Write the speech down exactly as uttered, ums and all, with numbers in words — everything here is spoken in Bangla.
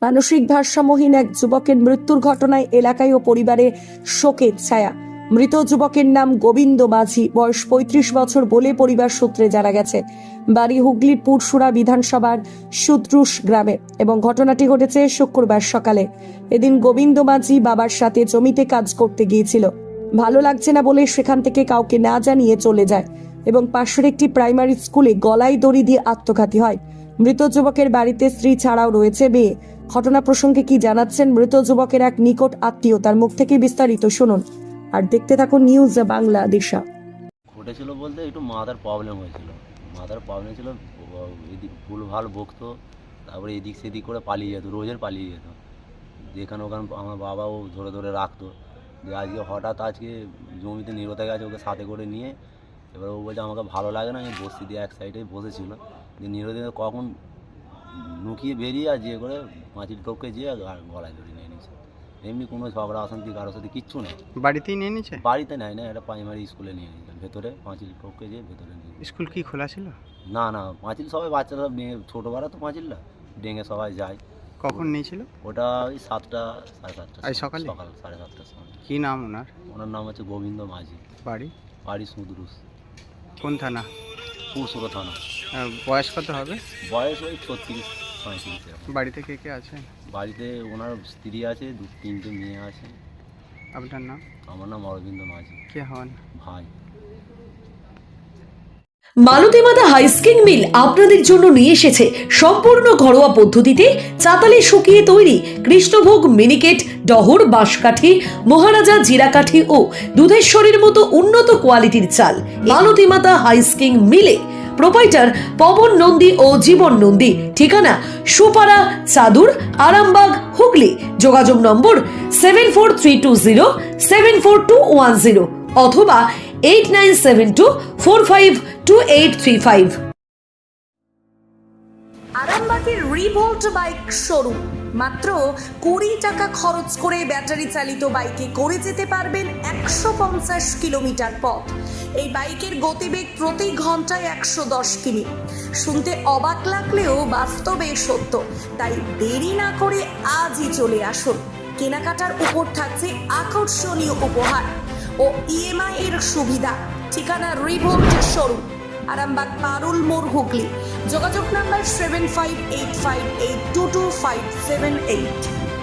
মানসিক ভারসাম্যহীন এক যুবকের মৃত্যুর ঘটনায় এলাকায় ও পরিবারে শোকের ছায়া। মৃত যুবকের নাম গোবিন্দ মাঝি, বয়স পঁয়ত্রিশ বছর বলে পরিবার সূত্রে জানা গেছে। বাড়ি হুগলির পুরসুরা বিধানসভার সুদ্রুশ গ্রামে এবং ঘটনাটি ঘটেছে শুক্রবার সকালে। এদিন গোবিন্দ মাঝি বাবার সাথে জমিতে কাজ করতে গিয়েছিল। ভালো লাগছে না বলে সেখান থেকে কাউকে না জানিয়ে চলে যায় এবং পাশের একটি প্রাইমারি স্কুলে গলায় দড়ি দিয়ে আত্মঘাতী হয়। মৃত যুবকের বাড়িতে স্ত্রী ছাড়াও রয়েছে মেয়ে। ঘটনা প্রসঙ্গে কি জানাচ্ছেন মৃত যুবকের এক নিকট আত্মীয়, তার মুখ থেকে বিস্তারিত শুনুন আর দেখতে থাকুন নিউজ বাংলাদেশা। ঘটেছিল বলতে একটু মাথার প্রবলেম হয়েছিল, মাথার প্রবলেম ছিল, এদিক ভুল ভাল বকতো, তারপরে এদিক সেদিক করে পালিয়ে যেত, রোজের পালিয়ে যেত, যেখানে ওখানে আমার বাবাও ধরে ধরে রাখতো। যে আজকে হঠাৎ আজকে জমিতে নিরতে গেছে, ওকে সাথে করে নিয়ে এবার ও বলছে আমাকে ভালো লাগে না, আমি বসছি দিয়ে এক সাইডে বসেছিল, যে নিরতে কখন নুকিয়ে বেরিয়ে আর যে করে মাছির টপকে যেয়ে গলায় ধরে নিয়ে নিয়েছে। এমনি কোনো ঝগড়া অশান্তি কারোর সাথে কিচ্ছু নেই। বাড়িতেই নিয়ে নিয়েছে? বাড়িতে নেয় না, এটা প্রাইমারি স্কুলে নিয়ে নিয়েছে, ভেতরে পাঁচিল টপকে যেয়ে ভেতরে নিয়ে। স্কুল কি খোলা ছিল? না না, পাঁচিল সবাই বাচ্চারা ভেঙে, ছোটো বেলা তো পাঁচিলটা ভেঙে সবাই যায়। কখন নিয়েছিল? ওটা ওই সাতটা সাড়ে সাতটা আজ সকালে? সকাল সাড়ে সাতটার সময়। কি নাম ওনার? ওনার নাম হচ্ছে গোবিন্দ মাঝি। বাড়ি? বাড়ি সুদরুস। কোন থানা? পুরসুরা থানা। আহ, বয়স কত হবে? বয়স ওই ছত্রিশ পঁয়ত্রিশ। বাড়িতে কে কে আছে? বাড়িতে ওনার স্ত্রী আছে, দু তিনটে মেয়ে আছে। আপনার নাম? আমার নাম অরবিন্দ মাঝি। কে হন? ভাই। মালতী মাতা হাইস্কিং মিল আপনাদের জন্য নিয়ে এসেছে সম্পূর্ণ ঘরোয়া পদ্ধতিতে চাতালে শুকিয়ে তৈরি কৃষ্ণভোগ মিনিকেট, ডহর, বাঁশকাঠি, মহারাজা জিরাকাঠি ও দুধেশ্বরীর মতো উন্নত কোয়ালিটির চাল। মালতী মাতা হাইস্কিং মিলে প্রোপাইটার পবন নন্দী ও জীবন নন্দী। ঠিকানা সুপারা, চাদুর, আরামবাগ, হুগলি। যোগাযোগ নম্বর seven four three two zero seven four two one zero অথবা eight nine seven two four five two eight three five. আরামবাগের রিভোল্ট বাইক শোরুম। মাত্র কুড়ি টাকা খরচ করে ব্যাটারি চালিত বাইকে করে যেতে পারবেন একশো পঞ্চাশ কিলোমিটার পথ। এই বাইকের গতিবেগ প্রতি ঘন্টায় একশো দশ কিমি। শুনতে অবাক লাগলেও বাস্তবে সত্য, তাই দেরি না করে আজই চলে আসুন। কেনাকাটার উপর থাকছে আকর্ষণীয় উপহার ও ইএমআই এর সুবিধা। ঠিকানা রিভোল্ট শোরুম, আরামবাগ পারুল মোড়, হুগলি। যোগাযোগ number seven five eight five eight two two five seven eight.